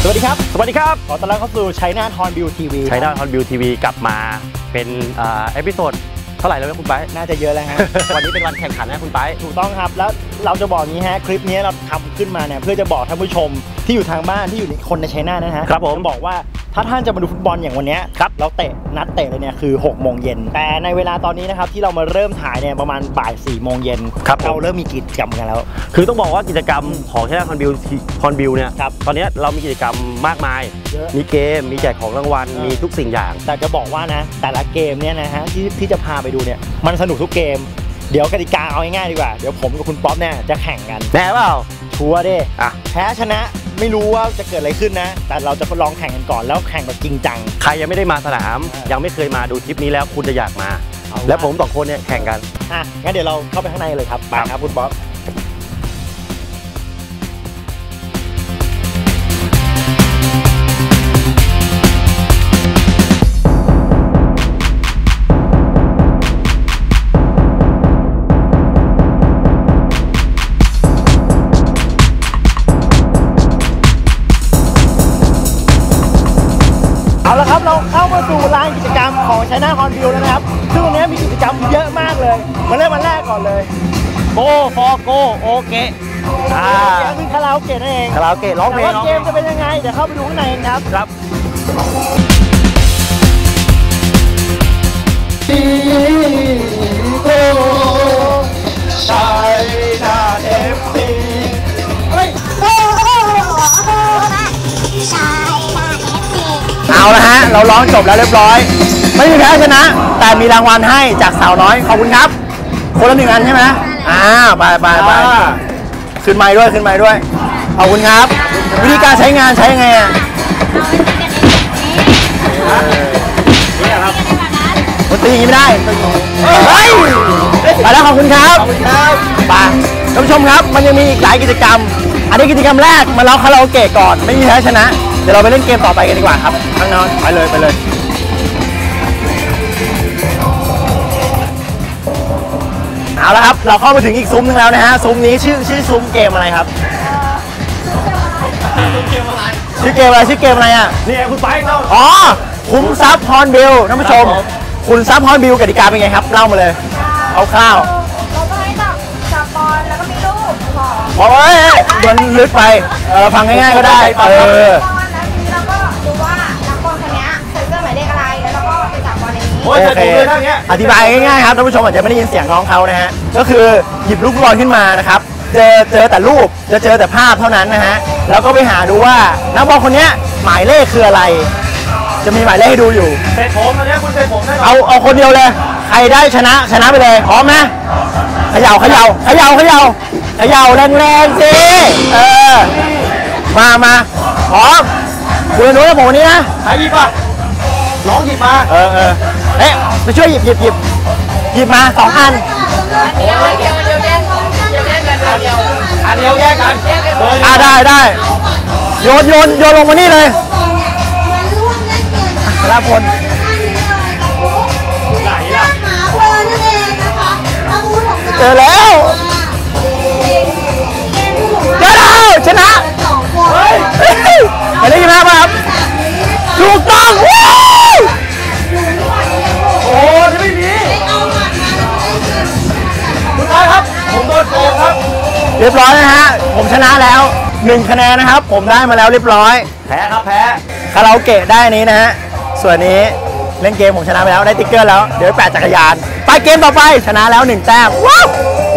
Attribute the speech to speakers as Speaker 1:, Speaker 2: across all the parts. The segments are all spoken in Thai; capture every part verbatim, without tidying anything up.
Speaker 1: วัสดีครับ
Speaker 2: สวัสดีครับ
Speaker 1: ขอต้อนรับเข้าสู่ชัยนาทฮอนบิวทีวี
Speaker 2: ชัยนาทฮอนบิวทีวีกลับมาเป็นเอพิโซดเท่าไหร่แล้วคุณไบ
Speaker 1: น่าจะเยอะแล้วฮะ
Speaker 2: วันนี้เป็นวันแข่งขันนะคุณไบ
Speaker 1: ถูกต้องครับแล้วเราจะบอกนี้ฮะคลิปนี้เราทำขึ้นมาเนี่ยเพื่อจะบอกท่านผู้ชมที่อยู่ทางบ้านที่อยู่ในคนในชัยนาทนะฮะ
Speaker 2: ครับผม
Speaker 1: บอกว่าถ้าท่านจะมาดูฟุตบอลอย่างวันนี้ครับเราเตะนัดเตะเลยเนี่ยคือหกโมงเย็นแต่ในเวลาตอนนี้นะครับที่เรามาเริ่มถ่ายเนี่ยประมาณบ่ายสี่โมงเย็นเราเริ่มมีกิจกรรมกันแล้ว
Speaker 2: คือต้องบอกว่ากิจกรรมของชัยนาทฮอนบิวฮอนบิวเนี่ยตอนนี้เรามีกิจกรรมมากมายมีเกมมีแจกของรางวัลมีทุกสิ่งอย่าง
Speaker 1: แต่จะบอกว่านะแต่ละเกมเนี่ยนะฮะที่ที่จะพาไปดูเนี่ยมันสนุกทุกเกมเดี๋ยวกติกาเอาง่ายๆดีกว่าเดี๋ยวผมกับคุณป๊อปเนี่ยจะแข่งกัน
Speaker 2: แน่เปล่า
Speaker 1: ชัวร์ดิ
Speaker 2: อ่ะ
Speaker 1: แพ้ชนะไม่รู้ว่าจะเกิดอะไรขึ้นนะแต่เราจะลองแข่งกันก่อนแล้วแข่งแบบจริงจัง
Speaker 2: ใครยังไม่ได้มาสนามยังไม่เคยมาดูทริปนี้แล้วคุณจะอยากมาแล้วผมสองคนเนี่ยแข่งกัน
Speaker 1: อ่ะงั้นเดี๋ยวเราเข้าไปข้างในเลยครับไปครับคุณป๊อปเอาละครับเราเข้ามาสู่ลานกิจกรรมของชัยนาทฮอนบิวแล้วนะครับซึ่งวันนี้มีกิจกรรมเยอะมากเลยมาเริ่มวันแรกก่อนเลย
Speaker 2: โกฟอโกโอเกะ
Speaker 1: อ่าคือคาราโอเกะนั่นเอง
Speaker 2: คาราโอเกะร้องเพลง
Speaker 1: เกมจะเป็นยังไงเดี๋ยวเข้าไปดูข้างในกันครับ
Speaker 2: ครับ
Speaker 1: โกชัยนาทเอฟซีเอาละฮะเราร้องจบแล้วเรียบร้อยไม่มีแพ้ชนะแต่มีรางวัลให้จากสาวน้อยขอบคุณครับคนละหนึ่งอันใช่ไหมอ่าไปไปไปขึ้นไม้ด้วยขึ้นไม้ด้วยขอบคุณครับวิธีการใช้งานใช้ยังไงอ่ะนี่ครับมันตีอย่างนี้ไม่ได้เฮ้ยไปแล้วขอบคุณครับไปท่านผู้ชมครับมันยังมีอีกหลายกิจกรรมอันนี้กิจกรรมแรกมาเล่าคาราโอเกะก่อนไม่มีแพ้ชนะเดี๋ยวเราไปเล่นเกมต่อไปกันดีกว่าครับข้างนอกไปเลยไปเลยเอาละครับเราเข้ามาถึงอีกซุ้มนึงแล้วนะฮะซุ้มนี้ชื่อชื่อซุ้มเกมอะไรครับชื่อเกมอะไรชื่อเกมอะไรอ่ะ
Speaker 2: นี่คุณไปเล่า
Speaker 1: อ๋อคุ้มทรัพย์ฮอนบิลท่านผู้ชมคุณทรัพย์ฮอนบิลกติกาเป็นไงครับเล่ามาเลยเอาข้าว
Speaker 3: เราก็ให้จับจับบอลแล้วก็มีลูก
Speaker 1: บอกโอ้ยโดนลึกไปเออฟังง่ายๆก็ได้เออ
Speaker 3: แล้วก็ดูว่านักบอลคนนี้ใส่เสื้อหมายเลขอะไรแล้วเราก็ไปจับบอลในนี้
Speaker 1: โอเคอธิบายง่ายๆครับท่านผู้ชมอาจจะไม่ได้ยินเสียงน้องเขานะฮะก็คือหยิบลูกบอลขึ้นมานะครับเจอเจอแต่รูปจะเจอแต่ภาพเท่านั้นนะฮะแล้วก็ไปหาดูว่านักบอลคนนี้หมายเลขคืออะไรจะมีหมายเลขให้ดูอยู่
Speaker 2: เตะผมนะเนี่ยคุณเตะผมได้
Speaker 1: เอาเอาคนเดียวเลยใครได้ชนะชนะไปเลยพร้อมไหมเขย่าเขย่าเขย่าเขย่าเขย่าแรงๆสิเออมามาพร้อมคุณรู้แล้วผมวันนี้นะ
Speaker 2: ใครหยิบอ่ะน้องหยิบมา
Speaker 1: เออเออเอ๊ะไปช่วยหยิบหยิบหยิบหยิบมาสองอัน
Speaker 3: เดียวเดียวเดียวเดียวเดียวเดียวเดียว
Speaker 2: อันเดียวแยกกัน
Speaker 1: อ่าได้ได้โยนโยนโยนลงมานี่เลยลาพล
Speaker 2: ไหนล่ะ
Speaker 1: เจอแล้วเจอแล้วชนะไปได้ยินไหมครับถูกต้อง
Speaker 2: โอ้จะไม่มีคุณนายครับผมโดนโกงครับ
Speaker 1: เรียบร้อยนะฮะผมชนะแล้วหนึ่งคะแนนนะครับผมได้มาแล้วเรียบร้อย
Speaker 2: แพ้ครับแพ้
Speaker 1: คาราโอเกะได้นี้นะฮะส่วนนี้เล่นเกมผมชนะไปแล้วได้ติ๊กเกอร์แล้วเดี๋ยวแปะจักรยานไปเกมต่อไปชนะแล้วหนึ่งแต้มว้าว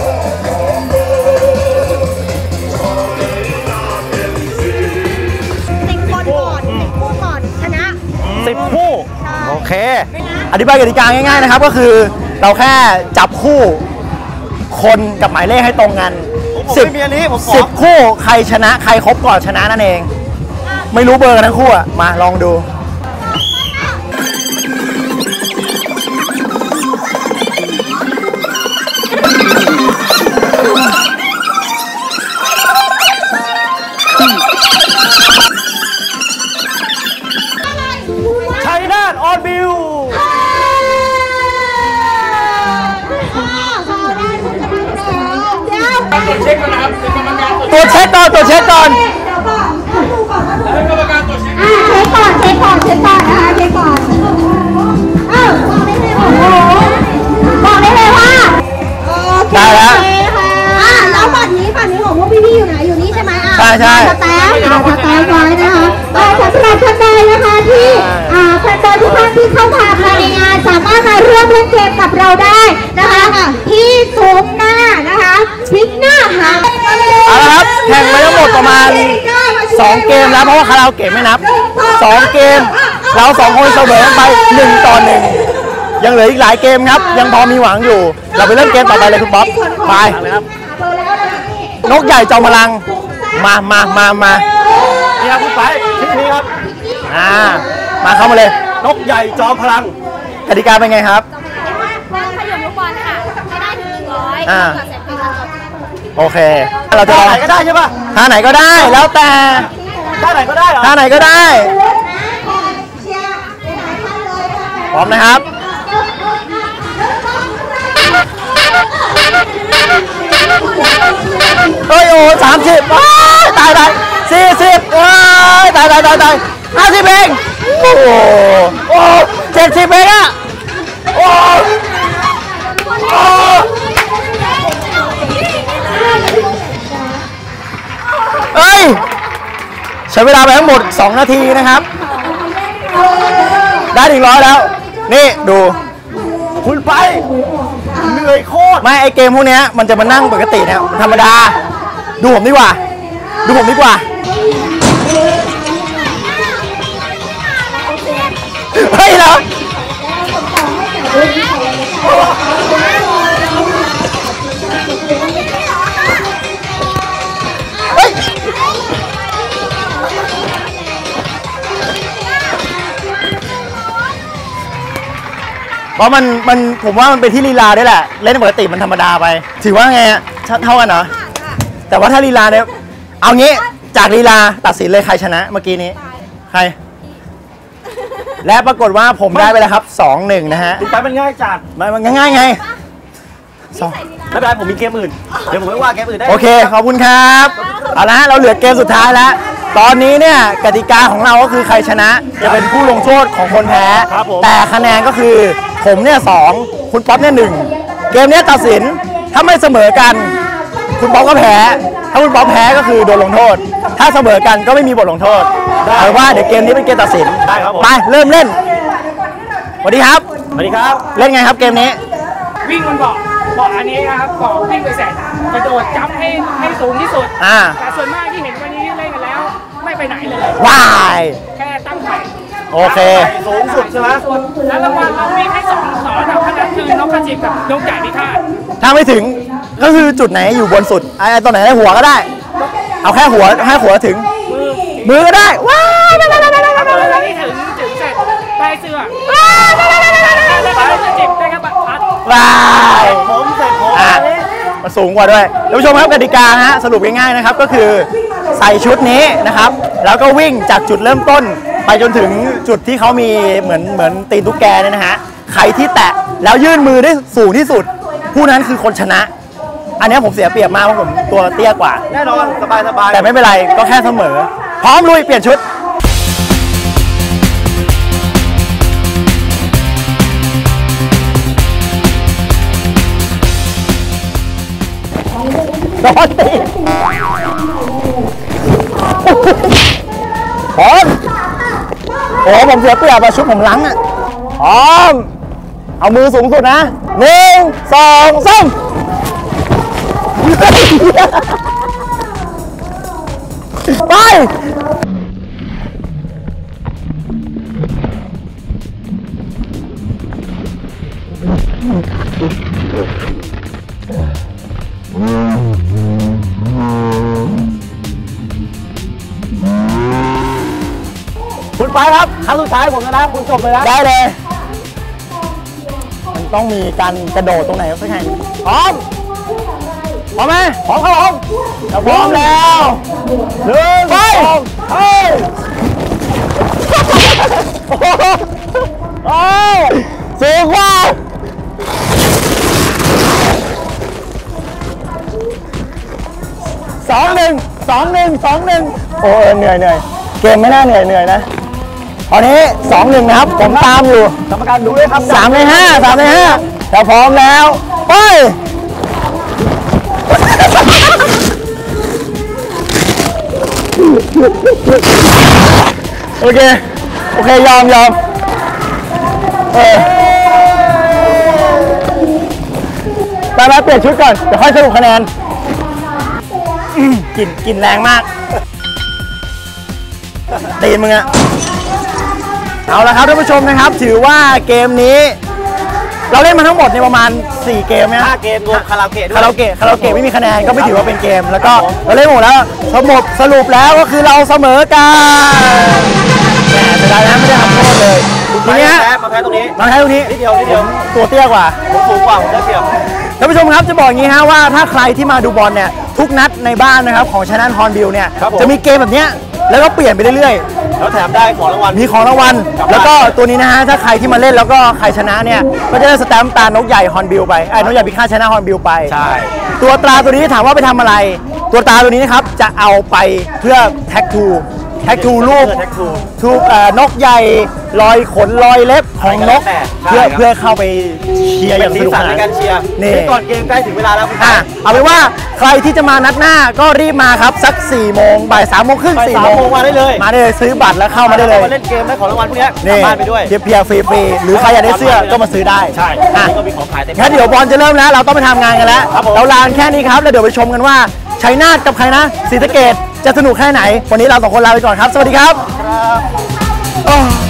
Speaker 3: สิบคนก่อนสิบคู่ก่อนชนะ
Speaker 1: สิบคู่โอเคอธิบายกติกาง่ายๆนะครับก็คือเราแค่จับคู่คนกับหมายเลขให้ตรงกันสิบสิบคู่ใครชนะใครครบก่อนชนะนั่นเองไม่รู้เบอร์กันทั้งคู่อ่ะมาลองดูชัยนาทฮอนบิว
Speaker 2: ตรวจเช็คก่อนนะครับเป็นกรรมการ
Speaker 1: ตรวจเช็คก่อนตรวจเช็คก่อน
Speaker 2: แล้วกรรมการ
Speaker 4: สกายไว้นะคะสำหรับท่านใดนะคะที่แฟนบอลทุกท่านที่เข้ามาภายในงานสามารถมาร่วมเล่นเกมกับเราได้นะคะที่ซุ้มหน้านะคะพลิกหน้าหา
Speaker 1: เอาละครับแข่งไปทั้งหมดประมาณสองเกมแล้วเพราะว่าคาราโอเกะไม่นับสองเกมเราสองคนเสมอกันไปหนึ่งต่อหนึ่งยังเหลืออีกหลายเกมครับยังพอมีหวังอยู่เราไปเริ่มเกมต่อไปเลยคุณป๊อปไปนกใหญ่จอมพลังมามามามานี่ครับคุณไปชื่อนี้ครับอ่ามาเข้ามาเลยนกใหญ่จอมพลังกติกาเป็นไงครับ
Speaker 3: นั่งขยมลูกบอลค่ะให้ได้ถึงหนึ่งร้อย
Speaker 1: อ่า
Speaker 3: เกิดเสร็จเพลงแล้วจบ
Speaker 1: โอเคเราจะลองท่าไหนก็ได้ใช่ปะท่าไหนก็ได้แล้วแต่ท่าไหนก็ได้เหรอท่าไหนก็ได้พร้อมนะครับเฮ้ยโอ้สามสิบตายตายสี่สิบตายตายตายตายห้าสิบเองโอ้โหโอ้เจ็ดสิบเองอะโอ้โอ้เอ้ยใช้เวลาไปทั้งหมดสองนาทีนะครับได้ถึงร้อยแล้วนี่ดูคุณไปเหนื่อยโคตรไม่ไอเกมพวกนี้มันจะมานั่งปกติเนี่ยธรรมดาดูผมดีกว่าดูผมดีกว่าเฮ้ยเหรอเฮ้ยเพราะมันมันผมว่ามันเป็นที่ลีลาด้วยแหละเล่นปกติมันธรรมดาไปถือว่าไงเท่ากันเหรอแต่ว่าถ้าลีลาเนี่ยเอางี้จากลีลาตัดสินเลยใครชนะเมื่อกี้นี้ใครและปรากฏว่าผมได้ไปแล้วครับสองหนึ่งนะฮะติดตามมันง่ายจัดมันง่ายไงสองไม่เป็นไรผมมีเกมอื่นเดี๋ยวผมไม่ว่าเกมอื่นได้โอเคขอบคุณครับเอาละเราเหลือเกมสุดท้ายแล้วตอนนี้เนี่ยกติกาของเราก็คือใครชนะจะเป็นผู้ลงโทษของคนแพ้แต่คะแนนก็คือผมเนี่ยสองคุณป๊อปเนี่ยหนึ่งเกมนี้ตัดสินถ้าไม่เสมอกันคุณป๊อปก็แพ้ถ้าคุณป๊อปแพ้ก็คือโดนลงโทษถ้าเสมอกันก็ไม่มีบทลงโทษเอาว่าเดี๋ยวเกมนี้เป็นเกมตัดสินไปเริ่มเล่นสวัสดีครับสวัสดีครับเล่นไงครับเกมนี้
Speaker 5: วิ่งบนเบาะเบาะอันนี้ครับเบาะวิ่งไปเสร็จกระโดดจับให้ให้สูงที่สุดแต่ส่วนมากที่เห็นวันนี้เล่นกันแล้วไม่ไปไหนเลย
Speaker 1: ว้าย
Speaker 5: แค่ตั้งไข่
Speaker 1: โอเคสูงสุดใช่ไหม
Speaker 5: แล้วรางวัลเราวิ่งให้สองสอนเอาขนาดคือนกกระจิบกับนกใหญ่พิฆาต
Speaker 1: ถ้าไม่ถึงก็คือจุดไหนอยู่บนสุดไอ้ตัวไหนได้หัวก็ได้เอาแค่หัวให้หัวถึงมือก็ได้ว้าว
Speaker 5: มือที่ถึงถึงเสร็จใต้เสื้อแล้วก็นกกระจิบได้ครับพัด
Speaker 1: ว้าวผมเสร็จผมมาสูงกว่าด้วยท่านผู้ชมครับกติกาฮะสรุปง่ายๆนะครับก็คือใส่ชุดนี้นะครับแล้วก็วิ่งจากจุดเริ่มต้นไปจนถึงจุดที่เขามีเหมือนเหมือนตีนตุ๊กแกเนี่ยนะฮะใครที่แตะแล้วยื่นมือได้สูงที่สุดผู้นั้นคือคนชนะอันนี้ผมเสียเปรียบมากเพราะผมตัวเตี้ยกว่าแน่นอนสบายสบายแต่ไม่เป็นไรก็แค่เสมอพร้อมลุยเปลี่ยนชุดโดนตีพร้อมโอ้ผมเสียเปรียบอะชุดผมล้างอะพร้อมเอามือสูงสุดนะหนึ่งสองสามไปคุณไปครับครั้งสุดท้ายผมนะคุณจบเลยนะได้เลยมันต้องมีการกระโดดตรงไหนสักแห่งพร้อมพร้อมไหมพร้อมครับผมเราพร้อมแล้วหนึ่งสองเฮ้ยโอ้สูงกว่าสองหนึ่งสองหนึ่งสองหนึ่งโอ้เหนื่อยเหนื่อยเกมไม่น่าเหนื่อยเหนื่อยนะตอนนี้สองหนึ่งนะครับผมตามอยู่กรรมการดูด้วยครับสามในห้าสามในห้าเราพร้อมแล้วไปโอเคโอเคยอมยอมเออไปไปเปลี่ยนชุดก่อนเดี๋ยวค่อยสรุปคะแนนกลิ่นกลิ่นแรงมากตีนมึงอะเอาละครับท่านผู้ชมนะครับถือว่าเกมนี้เราเล่นมาทั้งหมดในประมาณสี่เกมนะห้าเกมรวมคาราโอเกะด้วยคาราโอเกะคาราโอเกะไม่มีคะแนนก็ไม่ถือว่าเป็นเกมแล้วก็เราเล่นหมดแล้วสรุปสรุปแล้วก็คือเราเสมอกันแต่ได้นะไม่ได้ทำโทษเลยทีนี้มาแพ้ตรงนี้มาแพ้ตรงนี้นิดเดียวนิดเดียวตัวเตี้ยกว่าผมสูงกว่าผมได้เปรียบท่านผู้ชมครับจะบอกอย่างนี้ฮะว่าถ้าใครที่มาดูบอลเนี่ยทุกนัดในบ้านนะครับของชนะฮอนบิลเนี่ยจะมีเกมแบบเนี้ยแล้วก็เปลี่ยนไปเรื่อยๆแล้วแถมได้ของรางวัลมีของรางวัลแล้วก็ตัวนี้นะฮะถ้าใครที่มาเล่นแล้วก็ใครชนะเนี่ยก็จะได้สแตมป์ตานกใหญ่ฮอนบิลไปไอ้นกใหญ่พิฆาตชนะฮอนบิลไปใช่ตัวตราตัวนี้ถามว่าไปทำอะไรตัวตราตัวนี้นะครับจะเอาไปเพื่อแท็กทูแท็กทูรูปทูนกใหญ่รอยขนรอยเล็บของนกเพื่อเพื่อเข้าไปเชียร์อย่างสนุกสนานในการเชียร์นี่ก่อนเกมใกล้ถึงเวลาแล้วอ่ะเอาเป็นว่าใครที่จะมานัดหน้าก็รีบมาครับสักสี่โมงบ่ายสามโมงครึ่งสี่โมงมาได้เลยมาได้เลยซื้อบัตรแล้วเข้ามาได้เลยมาเล่นเกมได้ของรางวัลพวกนี้กลับบ้านไปด้วยเพียร์ฟรีๆหรือใครอยากได้เสื้อก็มาซื้อได้ใช่ก็มีของขายเต็มงั้นเดี๋ยวบอลจะเริ่มแล้วเราต้องไปทำงานกันแล้วเราลานแค่นี้ครับแล้วเดี๋ยวไปชมกันว่าชัยนาทกับใครนะศรีสะเกษจะสนุกแค่ไหนวันนี้เราสองคนลาไปก่อนครับสวัสดีครับ